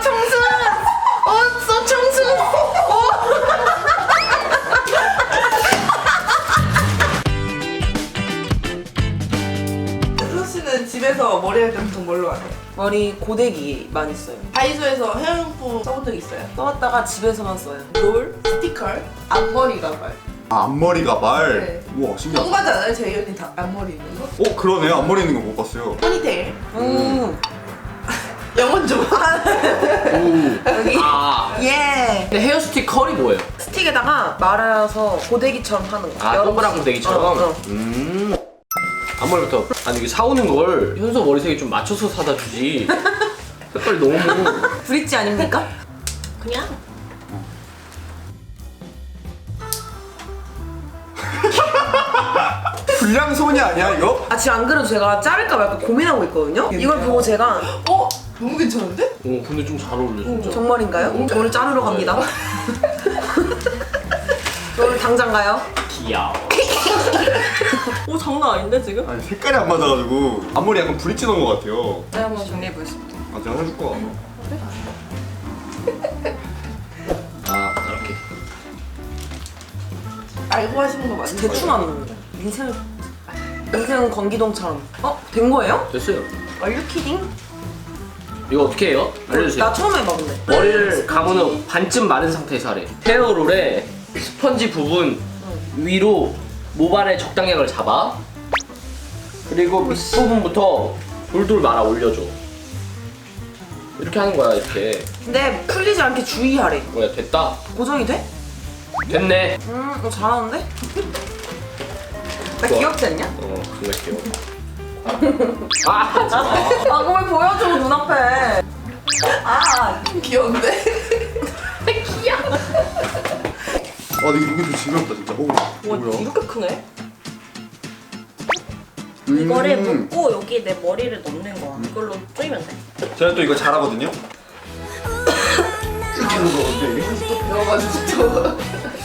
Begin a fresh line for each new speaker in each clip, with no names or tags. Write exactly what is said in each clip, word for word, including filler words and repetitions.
청순! 어, 써 청순!
수씨는 집에서 머리 할 때 보통 뭘로 하세요?
머리 고데기만 있어요.
다이소에서 헤어용품 써본 적 있어요?
써왔다가 집에서만 써요.
롤, 스티커, 앞머리 가발.
아, 앞머리 가발?
네.
우와, 신기하다.
궁금하지 않아요? 제 언니 다 앞머리 있는 거?
어, 그러네요. 앞머리 있는 거 못 봤어요.
포니테일.
음.
영원 좀.
오.
여기.
아.
예.
근데 헤어스틱 컬이 뭐예요?
스틱에다가 말아서 고데기처럼 하는 거.
아,
여러
동그란
번씩.
고데기처럼?
어, 어.
음. 앞머리부터. 아니, 이게 사오는 걸 현서 머리색이 좀 맞춰서 사다 주지. 색깔이 너무.
브릿지 아닙니까? 그냥.
불량손이 아니야, 이거?
아 지금 안 그래도 제가 자를까 말까 고민하고 있거든요. 이걸 보고 제가
어? 너무 괜찮은데?
어, 근데 좀 잘 어울려, 진짜.
정말인가요? 저를 자르러 갑니다. 오늘 당장 가요.
귀여워.
오 장난 아닌데 지금?
아니, 색깔이 안 맞아가지고 앞머리 약간 브릿지 넣은 것 같아요.
네 한번 정리해 보겠습니다.
아, 제가 해줄 거야.
아, 이렇게.
알고 하시는 거 맞는
대충 하는 인생 인생 건기동처럼. 어? 된 거예요?
됐어요.
Are you kidding?
이거 어떻게 해요? 알려주세요.
나 처음 해봐 근데.
머리를 감은 후 반쯤 마른 상태에서 하래. 헤어롤에 스펀지 부분 위로 모발의 적당량을 잡아. 그리고 밑부분부터 돌돌 말아 올려줘. 이렇게 하는 거야, 이렇게.
근데 풀리지 않게 주의하래.
뭐야, 됐다.
고정이 돼?
됐네.
음, 너 잘하는데? 나
좋아.
귀엽지 않냐?
어, 정말 귀여워. 아, 하지 마.
아 그걸 보여줘 눈앞에. 아
귀여운데?
아, 근데 이게 좀 징그럽다, 진짜. 오,
와
뭐야?
이렇게 크네?
음.
이거를 묶고 여기 내 머리를 넣는 거야. 이걸로 쪼이면 돼.
제가 또 이거 잘하거든요? 이렇게 하는 거거든요, 이게?
배워가지고 또.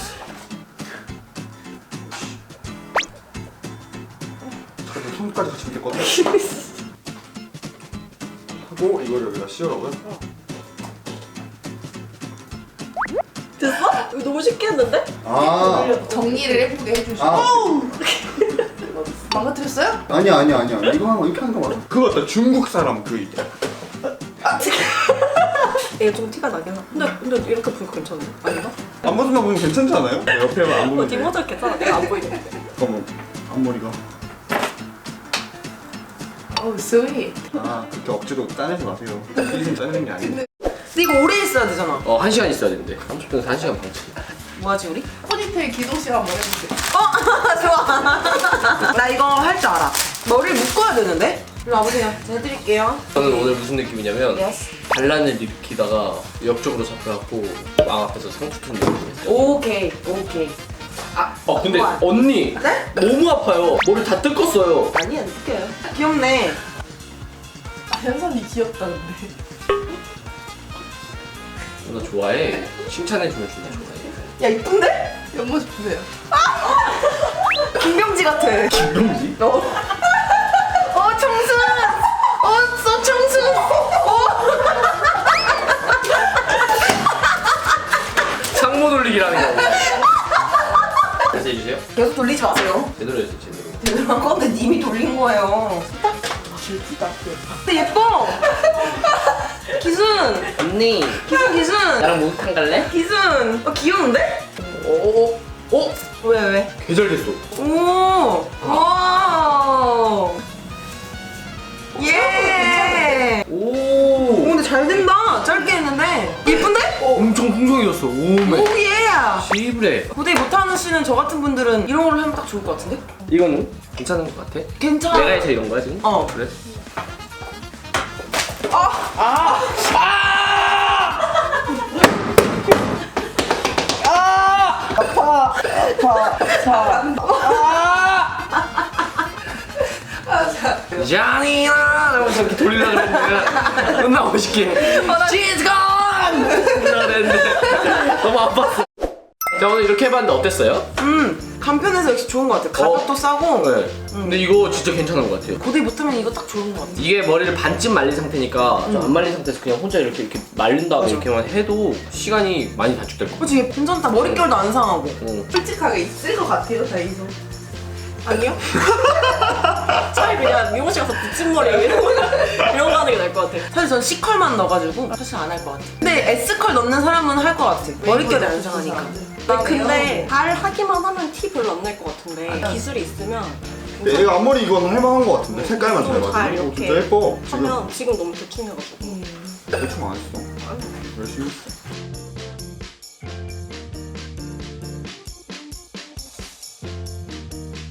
저도 손까지 같이 묶였거든요? 하고 이걸 여기다 씌우라고요?
됐어? 이거 너무 쉽게 했는데?
아,
정리를 예쁘게 해주시고.
아,
망가뜨렸어요?
아니야, 아니야, 아니야. 이거 하는 거, 이렇게 하는 거 맞아. 그거 같다, 중국 사람 그 이게.
얘 좀 티가 나긴 하. 근데 근데 이렇게 보니까 괜찮네. 아닌가?
앞모습만 보면 괜찮지 않아요? 네, 옆에만 안
어
보면 돼.
뒷모습 괜찮아. 내가 안 보이네.
잠깐만, 앞머리가.
어우, 스윗.
아, 그렇게 억지로 짜내지 마세요. 이좀 짜내는 게 아니에요.
근데 이거 오래 있어야 되잖아.
어, 한 시간 있어야 된대. 삼십 분에서 한 시간 반치.
뭐하지 우리?
포니테일 기동 씨가 한번 해볼게요.
어 좋아. 나 이거 할 줄 알아. 머리를 묶어야 되는데? 일로 와보세요. 제가 해드릴게요.
저는 오늘 무슨 느낌이냐면
예스.
반란을 일으키다가 역적으로 잡혀갖고 왕 앞에서 상추 투는 느낌이었어요.
오케이 오케이. 아
어, 근데
우와.
언니
네?
너무 아파요. 머리 다 뜯겼어요.
아니야 느껴요. 귀엽네.
아, 현선이 귀엽다는데.
나 좋아해. 칭찬해주면 존나 좋아해.
야 이쁜데?
옆모습 보세요.
김병지 같아.
김병지?
어. 어 청순. 어, 써 청순. 어.
상모 돌리기라는 거. 다시 해주세요.
계속 돌리지 마세요.
제대로 해주세요, 제대로.
제대로 한 건데 님이 돌린 거예요.
예쁘다.
근데 예뻐. 기순.
언니,
기순 기순.
나랑 목욕탕 갈래?
기순. 어 귀여운데?
오, 오,
왜 왜?
계절 됐어.
오. 와. 예. 오
오,
근데 잘 된다. 짧게 했는데 예쁜데?
엄청 풍성해졌어. 오메.
오 예.
시브레.
고데기 못하시는 저 같은 분들은 이런 걸로 하면 딱 좋을 것 같은데?
이거는 괜찮은 것 같아?
괜찮아.
내가 해서 이런 거야 지금?
어.
그래? 자니나 이러면서 이렇게 돌리려고 그랬는데 존나 멋있게 She's gone! 이러야 되는데 너무 아팠어. 자 오늘 이렇게 해봤는데 어땠어요?
음 간편해서 역시 좋은 것 같아. 가격도
어.
싸고
네. 근데 이거 진짜 괜찮은 것 같아요.
고데기 붙으면 이거 딱 좋은 것 같아.
이게 머리를 반쯤 말린 상태니까 좀 안 말린 상태에서 그냥 혼자 이렇게 이렇게 말린 다음에
맞아.
이렇게만 해도 시간이 많이 단축될 것 같아요.
그치 괜찮다. 머릿결도 안 상하고.
어.
솔직하게 있을 것 같아요, 다이소.
아니요? 차라리 그냥 미용실 가서 붙임머리 이런 거 이런 거 하는 게 나을 것 같아.
사실 전 C컬만 넣어가지고 사실 안 할 것 같아. 근데 S컬 넣는 사람은 할 것 같아. 머릿결이 안 상하니까.
아, 근데 잘 하기만 하면 티 별로 안 날 것 같은데 기술이 있으면
얘가 앞머리 이건 할만한 것 같은데 색깔만 잘
좀 잘
맞아.
이렇게
진짜 예뻐. 지금
하면 지금 너무 대충 해가지고
대충 안 했어. 열심히 했어.